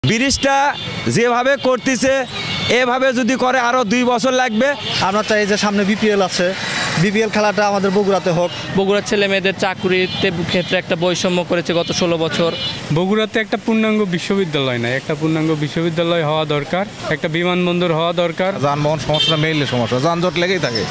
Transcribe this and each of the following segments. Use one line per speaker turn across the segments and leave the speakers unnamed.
ব্রিজটা যেভাবে করতেছে এভাবে যদি করে আরও 2 বছর লাগবে।
আমরা চাই যে সামনে বিপিএল আছে, বিপিএল খেলাটা আমাদের বগুড়াতে হোক।
বগুড়ার ছেলে মেয়েদের চাকরিতে ক্ষেত্রে একটা বৈষম্য করেছে গত 16 বছর।
বগুড়াতে একটা পূর্ণাঙ্গ বিশ্ববিদ্যালয় নাই, একটা পূর্ণাঙ্গ বিশ্ববিদ্যালয় হওয়া দরকার, একটা বিমানবন্দর হওয়া দরকার।
যানবাহন সমস্যা মেইনলি সমস্যা, যানজট লেগেই থাকে।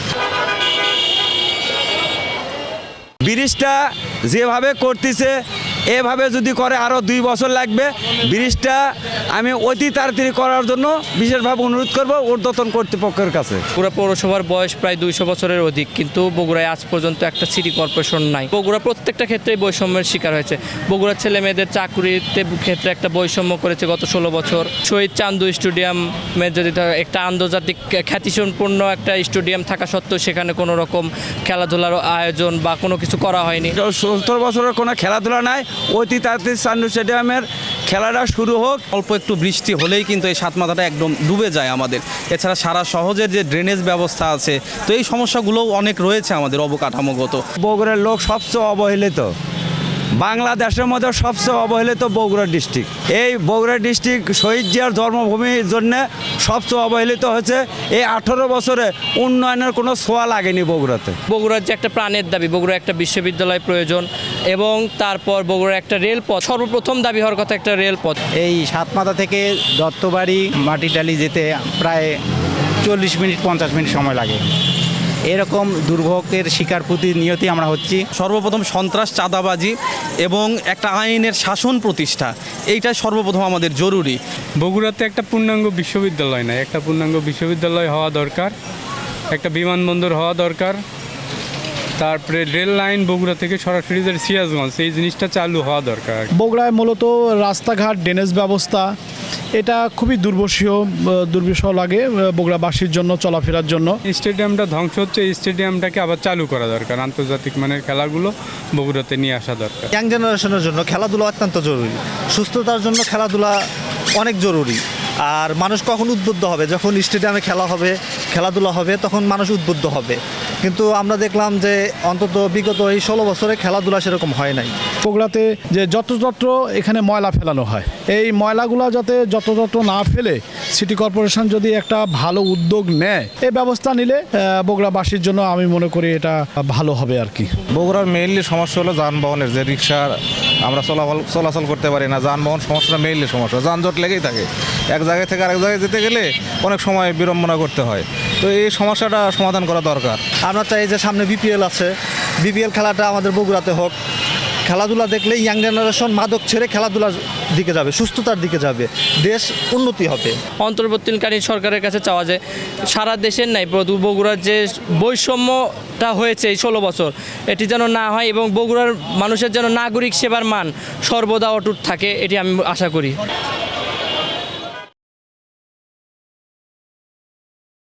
ব্রিজটা যেভাবে করতেছে এভাবে যদি করে আরও 2 বছর লাগবে। ব্রিজটা আমি অতি তাড়াতাড়ি করার জন্য বিশেষভাবে অনুরোধ করব ঊর্ধ্বতন কর্তৃপক্ষের কাছে।
বগুড়া পৌরসভার বয়স প্রায় 200 বছরের অধিক, কিন্তু বগুড়ায় আজ পর্যন্ত একটা সিটি কর্পোরেশন নাই। বগুড়া প্রত্যেকটা ক্ষেত্রেই বৈষম্যের শিকার হয়েছে। বগুড়ার ছেলে মেয়েদের চাকরিতে ক্ষেত্রে একটা বৈষম্য করেছে গত 16 বছর। শহীদ চান্দু স্টেডিয়ামের যদি একটা আন্তর্জাতিক খ্যাতিসম্পন্ন একটা স্টেডিয়াম থাকা সত্ত্বেও সেখানে কোনো রকম খেলাধুলার আয়োজন বা কোনো কিছু করা হয়নি।
70 বছরের কোনো খেলাধুলা নাই, অতি তাড়াতাড়ি চান্দু স্টেডিয়ামের খেলাটা শুরু হোক।
অল্প একটু বৃষ্টি হলেই কিন্তু এই সাতমাথাটা একদম ডুবে যায় আমাদের। এছাড়া সারা শহরের যে ড্রেনেজ ব্যবস্থা আছে, তো এই সমস্যাগুলোও অনেক রয়েছে আমাদের অবকাঠামোগত।
বগুড়ার লোক সবচেয়ে অবহেলিত, বাংলাদেশের মধ্যে সবচেয়ে অবহেলিত বগুড়া ডিস্ট্রিক্ট। এই বগুড়া ডিস্ট্রিক্ট শহীদ জিয়ার জন্মভূমির জন্য সবচেয়ে অবহেলিত হয়েছে। এই 18 বছরে উন্নয়নের কোনো ছোঁয়া লাগেনি বগুড়াতে।
বগুড়ার যে একটা প্রাণের দাবি, বগুড়া একটা বিশ্ববিদ্যালয় প্রয়োজন এবং তারপর বগুড়া একটা রেলপথ, সর্বপ্রথম দাবি হওয়ার কথা একটা রেলপথ।
এই সাতমাথা থেকে দত্তবাড়ি মাটিটালি যেতে প্রায় 40 মিনিট 50 মিনিট সময় লাগে। এরকম দুর্ভোগের শিকার প্রতিনিয়তই আমরা হচ্ছি।
সর্বপ্রথম সন্ত্রাস, চাঁদাবাজি এবং একটা আইনের শাসন প্রতিষ্ঠা, এইটা সর্বপ্রথম আমাদের জরুরি।
বগুড়াতে একটা পূর্ণাঙ্গ বিশ্ববিদ্যালয় নাই, একটা পূর্ণাঙ্গ বিশ্ববিদ্যালয় হওয়া দরকার, একটা বিমানবন্দর হওয়া দরকার। তারপরে রেল লাইন বগুড়া থেকে সরাসরি যে সিরাজগঞ্জ, এই জিনিসটা চালু হওয়া দরকার।
বগুড়ায় মূলত রাস্তাঘাট, ড্রেনেজ ব্যবস্থা এটা খুবই দুর্বিষহ লাগে বগুড়াবাসীর জন্য, চলাফেরার জন্য।
স্টেডিয়ামটা ধ্বংস হচ্ছে, এই স্টেডিয়ামটাকে আবার চালু করা দরকার। আন্তর্জাতিক মানের খেলাগুলো বগুড়াতে নিয়ে আসা দরকার।
ইয়াং জেনারেশনের জন্য খেলাধুলা অত্যন্ত জরুরি, সুস্থতার জন্য খেলাধুলা অনেক জরুরি। আর মানুষ কখন উদ্বুদ্ধ হবে? যখন স্টেডিয়ামে খেলাধুলা হবে তখন মানুষ উদ্বুদ্ধ হবে। কিন্তু আমরা দেখলাম যে অন্তত বিগত এই 16 বছরে খেলাধুলা সেরকম হয় নাই।
বগুড়াতে যে যত্রতত্র এখানে ময়লা ফেলানো হয়, এই ময়লাগুলো যাতে যত্রতত্র না ফেলে সিটি কর্পোরেশন যদি একটা ভালো উদ্যোগ নেয়, এই ব্যবস্থা নিলে বগুড়াবাসীর জন্য আমি মনে করি এটা ভালো হবে আর কি।
বগুড়ার মেইনলি সমস্যা হলো যানবাহনের, যে রিক্সা আমরা চলাচল করতে পারি না। যানবাহন সমস্যাটা মেইনলি সমস্যা, যানজট লেগেই থাকে। এক জায়গায় থেকে আরেক জায়গায় যেতে গেলে অনেক সময় বিড়ম্বনা করতে হয়। তো এই সমস্যাটা সমাধান করা দরকার।
আমরা চাই যে সামনে বিপিএল আছে, বিপিএল খেলাটা আমাদের বগুড়াতে হোক। খেলাধুলা দেখলে ইয়াং জেনারেশন মাদক ছেড়ে খেলাধুলার দিকে যাবে, সুস্থতার দিকে যাবে, দেশ উন্নতি হবে।
অন্তর্বর্তীকালীন সরকারের কাছে চাওয়া যায় সারা দেশের নাই বগুড়ার যে বৈষম্যটা হয়েছে এই 16 বছর, এটি যেন না হয় এবং বগুড়ার মানুষের যেন নাগরিক সেবার মান সর্বদা অটুট থাকে, এটি আমি আশা করি।